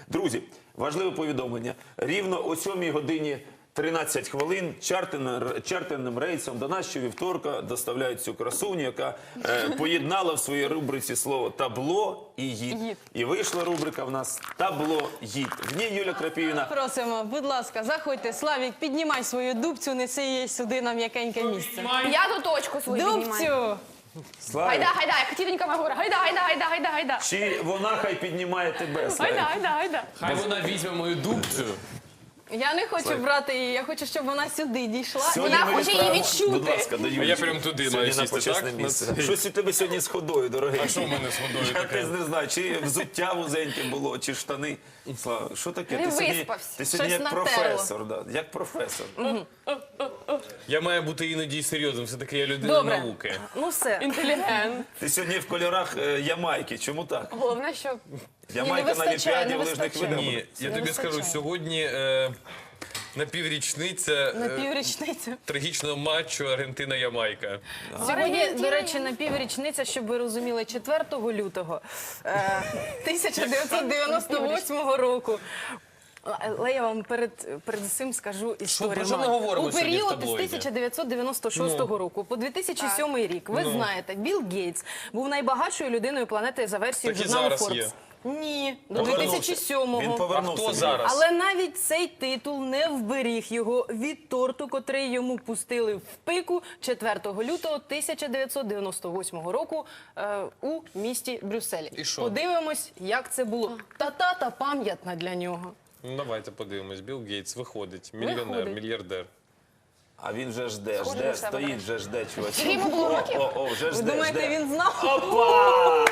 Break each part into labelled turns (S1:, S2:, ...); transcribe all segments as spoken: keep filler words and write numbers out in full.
S1: Друзі, важливе повідомлення. Рівно о сьомій годині тринадцять хвилин чартерним, чартерним рейсом до нас щовівторка доставляють цю красуню, яка е, поєднала в своїй рубриці слово «табло» і «гід». І вийшла рубрика в нас «Табло гід». В ній Юля Крапівіна.
S2: Просимо, будь ласка, заходьте. Славік, піднімай свою дубцю, неси її сюди на м'якеньке місце.
S3: Я ту точку свою піднімаю.
S2: Дубцю!
S1: Славік,
S3: Гайда, гайда, як тітонька моя говорить. Гайда, гайда, гайда, гайда, гайда.
S1: чи вона хай піднімає тебе, Славік?
S3: Гайда, гайда, гайда.
S4: Хай вона візьме мою дубцю.
S2: Я не хочу брати її, я хочу, щоб вона сюди дійшла.
S1: Сьогодні
S3: Вона
S1: ми
S3: хоче її
S1: відправимо-
S3: відчути.
S1: Будь ласка, до Юлі.
S4: я прям туди
S1: Сьогодні
S4: маю
S1: на
S4: сісти,
S1: почесне
S4: так?
S1: місце. Щось у тебе сьогодні з ходою, дорогий.
S4: А що в мене з водою
S1: Я
S4: таке?
S1: не знаю, чи взуття вузеньке було, чи штани. Слава, що таке?
S3: Не
S1: Ти сьогодні,
S3: виспався.
S1: ти сьогодні
S2: Щось
S1: як
S2: натерло.
S1: професор, да, як професор.
S4: Я маю бути іноді серйозним, все-таки я людина
S2: Добре.
S4: науки.
S2: Ну все.
S3: Інтелігент.
S1: Ти сьогодні в кольорах е, Ямайки, чому так?
S3: Головне, що
S1: Ямайка на
S2: вистачає,
S1: Олімпіаді
S2: не
S1: в лижних
S2: вистачає.
S1: видах.
S4: Ні, я
S2: Не
S4: тобі скажу,
S2: вистачає.
S4: сьогодні е, напіврічниця
S2: На
S4: е,
S2: піврічницю.
S4: трагічного матчу Аргентина-Ямайка.
S2: Сьогодні, до речі, на піврічниця, щоб ви розуміли, четвертого лютого е, тисяча дев'ятсот дев'яносто восьмого року. Але я вам перед, перед цим скажу історію.
S4: про що ми говоримо
S2: У
S4: сьогодні в
S2: період з
S4: таблоїді?
S2: тисяча дев'ятсот дев'яносто шостого року по дві тисячі сьомий рік, ви знаєте, Білл Гейтс був найбагатшою людиною планети за версією
S4: Так і
S2: журналу
S4: зараз є.
S2: Forbes. Ні, до дві
S1: Повернувся.
S2: тисячі сьомого.
S1: Він
S4: А
S1: повернувся.
S4: хто зараз?
S2: Але навіть цей титул не вберіг його від торту, котрий йому пустили в пику четвертого лютого тисяча дев'ятсот дев'яносто восьмого року е, у місті Брюсселі.
S4: І що?
S2: Подивимось, як це було. Та-та-та пам'ятна для нього.
S4: Ну, давайте подивимось. Білл Гейтс виходить, мільйонер,
S2: Виходить.
S4: мільярдер.
S1: А він вже жде,
S3: Схоже
S1: жде,
S3: на себе,
S1: стоїть,
S3: так.
S1: вже жде, чувачок.
S3: Скільки йому було
S1: О,
S3: років?
S1: О, о, вже
S2: Ви
S1: жде,
S2: думаєте,
S1: жде.
S2: він знав?
S1: Опа!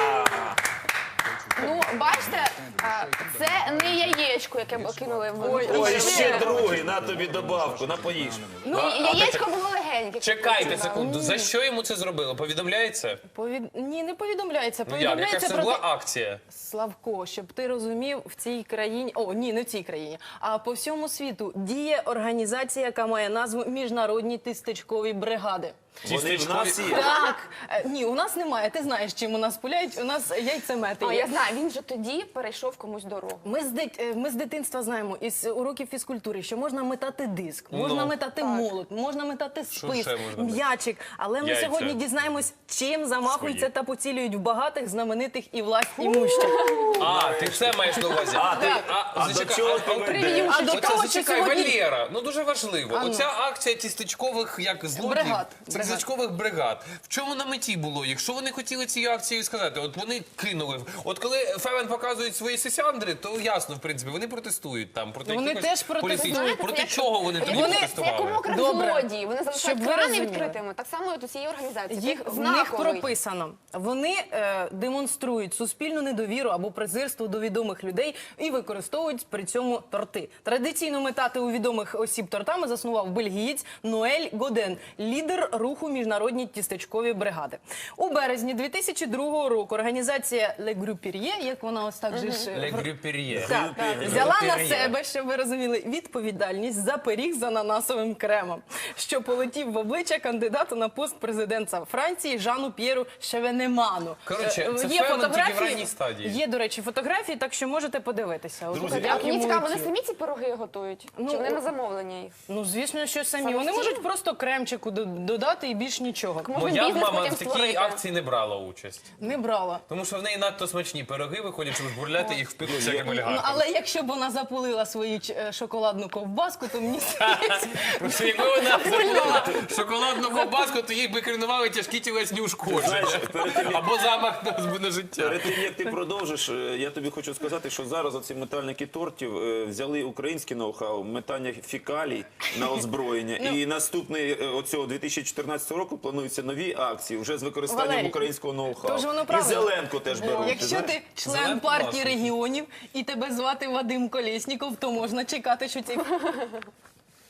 S3: Ну, бачите, а, це не яєчко, яке б кинули в
S2: Ой,
S1: Ой,
S3: річки.
S1: ще другий, на тобі добавку, на поїж.
S3: Ну, яєчко було легеньке.
S4: Чекайте секунду, за що йому це зробили? Повідомляється?
S2: Повід... Ні, не повідомляється.
S4: Ну як, яка ж
S2: Повідомляється
S4: це
S2: про
S4: була
S2: те...
S4: акція?
S2: Славко, щоб ти розумів, в цій країні, о, ні, не в цій країні, а по всьому світу діє організація, яка має назву Міжнародні тістечкові бригади.
S1: Вони в нас є.
S2: Так, Е, ні, у нас немає. Ти знаєш, чим у нас пуляють. У нас яйцемети
S3: А,
S2: є.
S3: я знаю, він же тоді перейшов комусь дорогу.
S2: Ми з, дит... е, ми з дитинства знаємо із уроків фізкультури, що можна метати диск, можна
S4: Ну,
S2: метати молот, можна метати спис,
S4: ще можна?
S2: м'ячик. Але ми
S4: Яйця.
S2: сьогодні дізнаємось, чим замахуються
S4: Свої.
S2: та поцілюють в багатих, знаменитих і власть імущих.
S4: А, ти все маєш на увазі.
S1: А, ти, а до
S4: зачекай,
S1: чого
S4: а-
S1: ти
S4: а-
S1: ведеш?
S2: А до
S4: Оце
S2: того, що
S4: зачекай,
S2: сьогодні...
S4: Валера, ну дуже важливо.
S2: А ну.
S4: Оця акція тістечкових, як злодіїв,
S2: Бригад, бригад.
S4: тістечкових бригад. В чому на меті було? Якщо вони хотіли цією акцією сказати, от вони кинули. От коли Февен показують свої сисяндри, то ясно, в принципі, вони протестують там. Проти
S2: Вони
S4: якихось
S2: теж протестують.
S4: політичних-
S3: Знаєте,
S4: Проти
S3: це як-
S4: чого вони тоді
S2: Вони-
S3: Це
S4: протестували?
S3: як у мокрих
S2: Добре.
S3: злодії. Вони
S2: Щоб
S3: залишають
S2: ви
S3: крани
S2: розуміли.
S3: відкритими. Так само і от у цієї організації.
S2: Їх,
S3: Таких
S2: в них
S3: знаковий.
S2: прописано. Вони е, демонструють суспільну недовіру або презирство до відомих людей і використовують при цьому торти. Традиційно метати у відомих осіб тортами заснував бельгієць Ноель Годен, лідер руху Міжнародні тістечкові бригади. У березні дві тисячі другого року організація Le Grouperier, як вона ось так же ж... е,
S4: Ле Грюпер'є.
S2: Так, взяла на
S4: Грюпер'є.
S2: себе, щоб ви розуміли, відповідальність за пиріг з ананасовим кремом, що полетів в обличчя кандидату на пост президента Франції Жану П'єру Шевенеману.
S4: Коротше,
S2: Е,
S4: це Фемен тільки в ранній стадії.
S2: Є, до речі, фотографії, так що можете подивитися. От
S1: Друзі,
S2: як
S3: А мені
S2: йому
S3: цікаво, вони
S2: летіло.
S3: самі ці пироги готують?
S2: Ну,
S3: Чи вони
S2: о-
S3: на замовлення їх?
S2: Ну, звісно, що самі.
S3: Самостійно?
S2: Вони можуть просто кремчику до- додати і більш нічого.
S3: Можна
S4: Моя
S3: бізнес
S4: мама
S3: потім
S4: в такій
S3: створити.
S4: акції не брала участь.
S2: Не брала.
S4: Тому що в неї надто смачні пироги виходять, щоб жбурляти їх в пику всяким
S2: Ну,
S4: олігархам.
S2: але якщо б вона запулила свою ч- е, шоколадну ковбаску, то мені здається,
S4: Просто якби вона забула шоколадну ковбаску, то їй би керували тяжкі тілесні ушкодження.
S1: Знаєш, перед тим, як-
S4: Або замах на, на життя.
S1: Перед тим, як ти продовжиш, е, я тобі хочу сказати, що зараз оці метальники тортів е, взяли українське ноу-хау, метання фекалій на озброєння.
S2: Ну.
S1: І наступний е, оцього дві тисячі чотирнадцятого року плануються нові акції вже з використанням
S2: Валерій,
S1: українського ноу-хау.
S2: тож воно
S1: І
S2: правильно.
S1: Зеленко теж беруть.
S2: якщо
S1: знаєш?
S2: ти член
S4: Зеленко
S2: партії
S4: класно.
S2: регіонів і тебе звати Вадим Колєсніков, то можна чекати, що ці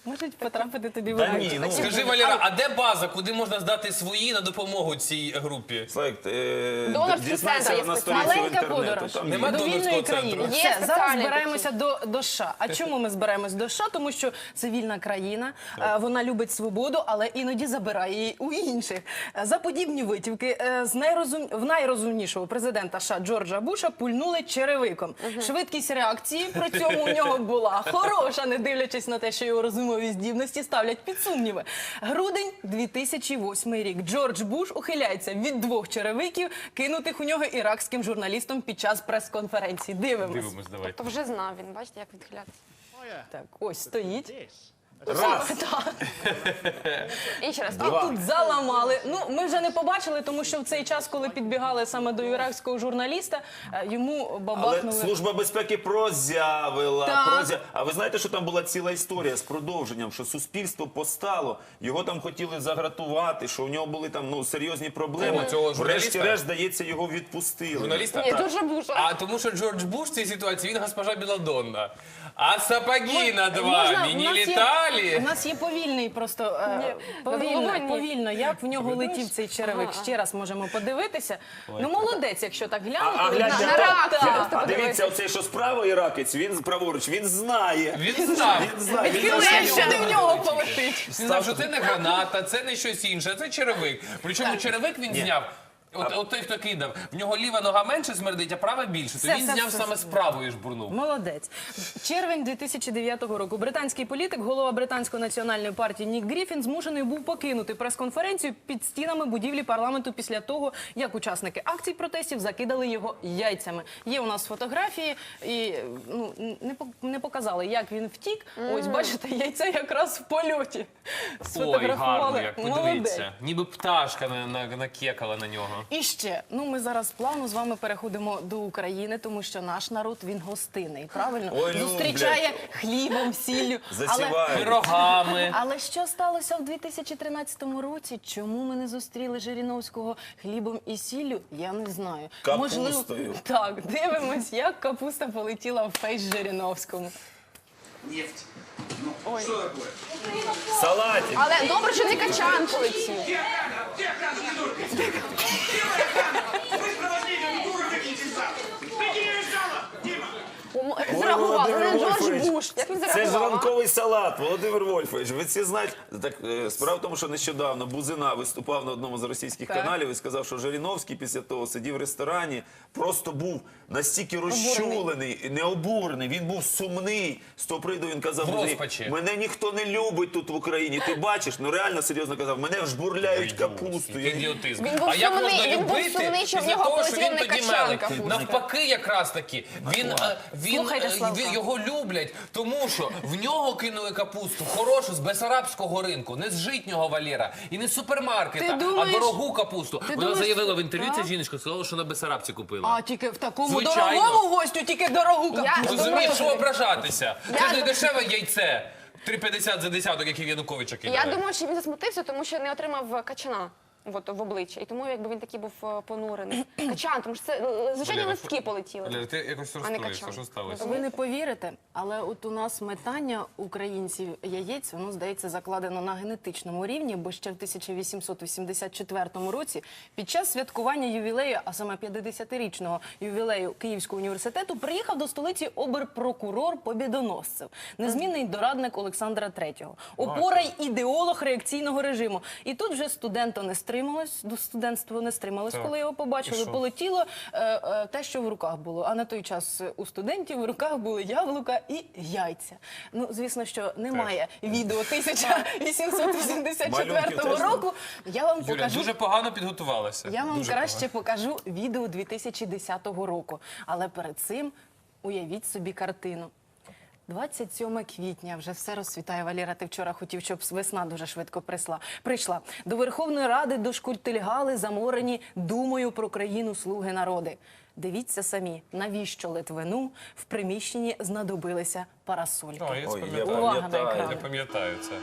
S2: Можуть потрапити тобі в
S1: Та
S2: обличчя.
S1: ні, ну,
S4: Скажи, Валера, а де база, куди можна здати свої на допомогу цій групі?
S1: Слайк, е,
S3: Донорський
S1: дізнайся
S3: центр є
S1: на
S3: спеціальний.
S1: сторінці в
S2: Маленька
S1: інтернету.
S2: подорож
S1: Там
S4: Нема
S1: є.
S2: до
S4: донорського
S2: вільної
S4: центру?
S2: країни.
S3: Є
S2: Все, зараз
S3: спеціальний
S2: збираємося до, до США. А чому ми збираємось до США? Тому що це вільна країна, е, вона любить свободу, але іноді забирає її у інших. Е, За подібні витівки е, з найрозум... в найрозумнішого президента США Джорджа Буша пульнули черевиком. Швидкість реакції при цьому у нього була хороша, не дивлячись на те, що його розумові здібності ставлять під сумніви. Грудень дві тисячі восьмий рік. Джордж Буш ухиляється від двох черевиків, кинутих у нього іракським журналістом під час прес-конференції. Дивимось.
S4: Дивимось, давай.
S3: То вже знав він, бачите, як відхилятися.
S2: Так, ось стоїть.
S1: Раз.
S3: І ще раз.
S1: Два.
S2: Тут заламали. Ну, ми вже не побачили, тому що в цей час, коли підбігали саме до іракського журналіста, е, йому
S1: Але
S2: бабахнули.
S1: Служба безпеки прозявила.
S2: Так.
S1: Прозя... А ви знаєте, що там була ціла історія з продовженням, що суспільство постало, його там хотіли загратувати, що у нього були там ну, серйозні проблеми.
S4: О, цього журналіста?
S1: Врешті-решт, здається, його відпустили.
S4: Журналіста?
S3: Ні, Джорджа Буша.
S4: А тому що Джордж Буш в цій ситуації, він госпожа Біладонна. А сапоги над
S2: Можна-
S4: вами
S2: у
S4: не
S2: нас є-
S4: літали?
S2: У нас є повільний просто е,
S3: Ні,
S2: повільно,
S3: головою ні.
S2: повільно, як в нього летів цей черевик. Ще раз можемо подивитися. Ну, молодець, якщо так глянути.
S1: А, а, глянь,
S3: на-
S1: я-
S3: на реакцію
S1: я-
S3: просто
S1: а
S3: подивися.
S1: дивіться, оцей, що справа іракець, він праворуч, він знає.
S4: Він знав.
S1: Він знає. Він
S2: Відхилив,
S1: знає,
S2: що не в нього полетить.
S4: Він знав, що це не граната, це не щось інше, це черевик. Причому черевик він зняв. От, от той, хто кидав, в нього ліва нога менше смердить, а права більше. То
S2: Все,
S4: він
S2: все,
S4: зняв
S2: все,
S4: саме
S2: все.
S4: з правої ж бурнув.
S2: Молодець. Червень дві тисячі дев'ятого року. Британський політик, голова британської національної партії Нік Гріфін змушений був покинути прес-конференцію під стінами будівлі парламенту після того, як учасники акцій протестів закидали його яйцями. Є у нас фотографії, і ну, не, по- не показали, як він втік. Ось, бачите, яйце якраз в польоті.
S4: Ой,
S2: Сфотографували.
S4: гарно, як
S2: Молодець.
S4: подивіться. Ніби пташка на, на, накекала на нього.
S2: І ще, ну ми зараз плавно з вами переходимо до України, тому що наш народ, він гостинний, правильно?
S1: Ой,
S2: Зустрічає
S1: люблять.
S2: хлібом, сіллю. Але,
S1: Засівають.
S4: Пирогами.
S2: але що сталося в дві тисячі тринадцятому році? Чому ми не зустріли Жириновського хлібом і сіллю? Я не знаю.
S1: Капустою.
S2: Так, дивимось, як капуста полетіла в фейс Жириновському.
S5: Нефть. Ну, что такое?
S1: Салатик.
S3: Але добре, що не качан полетів.
S5: Где охрана? Где охрана, придурки? Где охрана? Вы проводили дуру какие-то зал. Беги из зала, Дима!
S3: Ой, Зреагував,
S1: Володимир
S3: не Джордж
S1: Вольфович,
S3: Буш. Як він
S1: Це ж
S3: зреагував? а?
S1: ранковий салат, Володимир Вольфович. Ви всі знаєте, так е, справа в тому, що нещодавно Бузина виступав на одному з російських
S2: Так.
S1: каналів і сказав, що Жириновський після того сидів в ресторані, просто був настільки розчулений, і не обурений. Він був сумний. З того приводу він казав,
S4: В
S1: «Мені-
S4: розпачі.
S1: мене ніхто не любить тут в Україні. Ти бачиш, ну реально серйозно казав, мене жбурляють капусту. Я-
S4: Ідіотизм.
S3: Він був
S4: а як
S3: сумний,
S4: можна
S3: він був
S4: любити
S3: сумний, що в
S4: після
S3: нього
S4: того, що
S3: полетіла
S4: він
S3: не
S4: тоді
S3: качан
S4: мелить?
S3: капуста.
S4: Навпаки, якраз таки. Він, е, він,
S2: Слухайте,
S4: е,
S2: Славка.
S4: він- його люблять, тому що в нього кинули капусту хорошу з бесарабського ринку, не з житнього Валєра і не з супермаркета,
S2: Ти думаєш-
S4: а дорогу капусту. Вона
S2: думаєш-
S4: заявила в інтерв'ю,
S2: Так?
S4: ця жіночка сказала, що на Бесарабці купила.
S2: А тільки в такому
S4: Звичайно.
S2: дорогому гостю, тільки дорогу
S3: Я
S2: капусту.
S4: Розумієш, що
S3: думаю-
S4: ображатися? Це
S3: Я
S4: ж не
S3: ду-
S4: дешеве яйце. три п'ятдесят за десяток, який в Януковича кидає.
S3: Я думаю, що він засмутився, тому що не отримав качана. От, в обличчя. І тому якби він такий був е, понурений. Качан, тому що це е, звичайні
S4: Валера,
S3: листки полетіли.
S4: Валера, ти якось
S3: А не
S4: розстроївся,
S3: качан.
S4: що сталося?
S2: Ви не повірите, але от у нас метання українців яєць, воно, здається, закладено на генетичному рівні, бо ще в тисяча вісімсот вісімдесят четвертому році під час святкування ювілею, а саме п'ятдесятирічного ювілею Київського університету, приїхав до столиці оберпрокурор Побєдоносцев, незмінний дорадник Олександра третього, опора й ідеолог реакційного режиму. І тут вже студенто не стрималось, до студентство не стрималось,
S4: Так.
S2: коли його побачили,
S4: І що?
S2: полетіло е, е, те, що в руках було. А на той час у студентів в руках були яблука і яйця. Ну, звісно, що немає відео тисяча вісімсот вісімдесят четвертого
S1: Малюнків теж
S2: року. Я вам
S4: Юля,
S2: покажу.
S4: дуже погано підготувалася.
S2: Я вам
S4: Дуже
S2: краще покажу відео дві тисячі десятого року. Але перед цим уявіть собі картину. двадцять сьоме квітня, вже все розцвітає. Валера, ти вчора хотів, щоб весна дуже швидко прийшла. прийшла. До Верховної Ради дошкультильгали заморені думою про країну слуги народи. Дивіться самі, навіщо Литвину в приміщенні знадобилися парасольки.
S4: О, я
S1: Ой,
S4: це
S1: я
S4: пам'ятаю.
S2: Увага на
S1: пам'ятаю.
S2: екран.
S4: Я пам'ятаю це.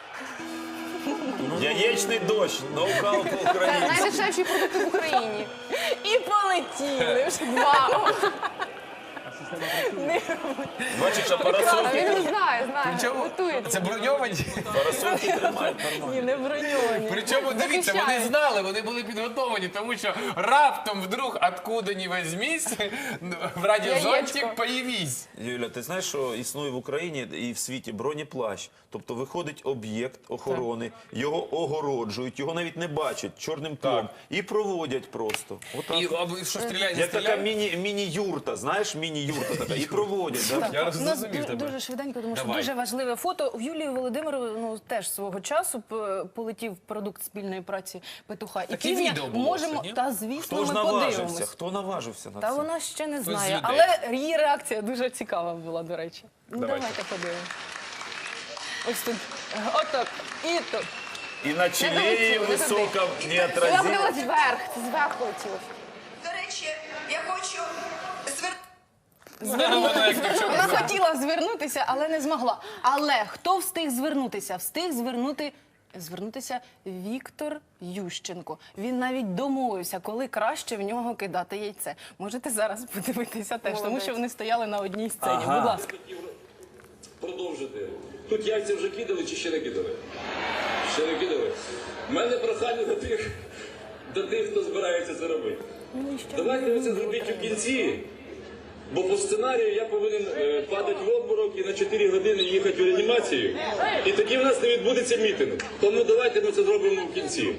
S1: Яєчний дощ, ноу-хау по-українськи.
S3: Найдешевші продукти в Україні.
S2: І полетіли. Вау!
S1: Бачиш, а
S3: А
S1: парасольки,
S3: він знає, знає,
S4: Причому
S3: готується.
S4: це броньовані.
S1: парасольки тримають нормально.
S2: Ні, не броньовані.
S4: Причому дивіться, вони
S3: Захищають.
S4: знали, вони були підготовлені, тому що раптом вдруг откуда ні возьмись, в радіозонтик
S3: Яєчко.
S4: появись.
S1: Юля, ти знаєш, що існує в Україні і в світі бронеплащ? Тобто виходить об'єкт охорони, його огороджують, його навіть не бачать чорним тлом і проводять просто. Отак.
S4: І а, що стріляє, не
S1: Як така
S4: стріляє?
S1: міні, міні-юрта, знаєш, міні-юрта така, і проводять. Да?
S4: Я
S2: У нас
S4: розумів
S2: ду-
S4: тебе.
S2: дуже швиденько, тому що
S4: Давай.
S2: дуже важливе фото. В Юлії Володимирової ну, теж свого часу п- полетів продукт спільної праці петуха. І
S4: Таке
S2: півня
S4: відео було
S2: можемо,
S4: це, ні?
S2: та звісно,
S1: Хто ж
S2: ми
S1: наважився?
S2: подивимось.
S1: Хто наважився на
S2: Та
S1: це?
S2: вона ще не
S4: з
S2: знає,
S4: людей.
S2: але її реакція дуже цікава була, до речі. Ну,
S4: Давайте.
S2: давайте подивимось. Ось тут, отак, і тут.
S1: І на чолі
S3: долетіли, не
S1: висока
S3: Вона
S1: неотразима.
S3: подивилась вверх, це зверху летіло.
S6: До речі, я хочу звернути.
S4: Вона як ні в чому.
S2: Вона хотіла звернутися, але не змогла. Але хто встиг звернутися? Встиг звернути. Звернутися Віктор Ющенко. Він навіть домовився, коли краще в нього кидати яйце. Можете зараз подивитися теж, тому
S3: Молодець.
S2: що вони стояли на одній сцені.
S1: Ага.
S2: Будь ласка.
S7: Продовжити. Тут яйця вже кидали чи ще не кидали? Ще не кидали. У мене прохання до тих, до тих, хто збирається це робити. Давайте ви це зробіть у кінці, бо по сценарію я повинен е, падати в обморок і на чотири години їхати в реанімацію. І тоді в нас не відбудеться мітинг. Тому давайте ми це зробимо в кінці.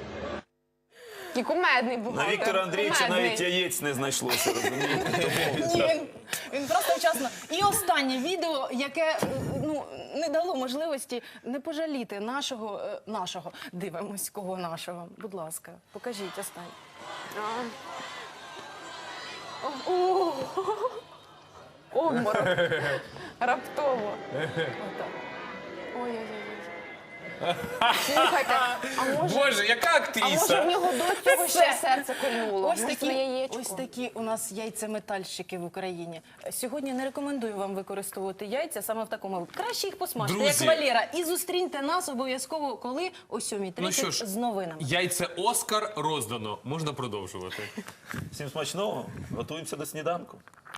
S3: І кумедний був.
S1: На Віктора Андрійовича
S3: Кумедний.
S1: навіть яєць не знайшлося, розумієте?
S2: Ні, він, він просто вчасно. І останнє відео, яке е, ну, не дало можливості не пожаліти нашого, е, нашого. Дивимось, кого нашого. Будь ласка, покажіть останнє.
S3: А. О, о, Обморок. Раптово.
S2: Отак.
S3: Ой-ой-ой. Слухайте, а може,
S4: Боже, яка
S3: а може в
S4: актриса?
S3: нього до цього ще серце кольнуло?
S2: Ось
S3: Може,
S2: такі,
S3: на яєчко?
S2: ось такі у нас яйцеметальщики в Україні. Сьогодні не рекомендую вам використовувати яйця саме в такому. Краще їх посмажте,
S4: Друзі.
S2: як Валера. І зустріньте нас обов'язково, коли о сьомій
S4: Ну що
S2: тридцять
S4: ж,
S2: з новинами.
S4: яйце Оскар роздано. Можна продовжувати.
S1: Всім смачного, готуємося до сніданку.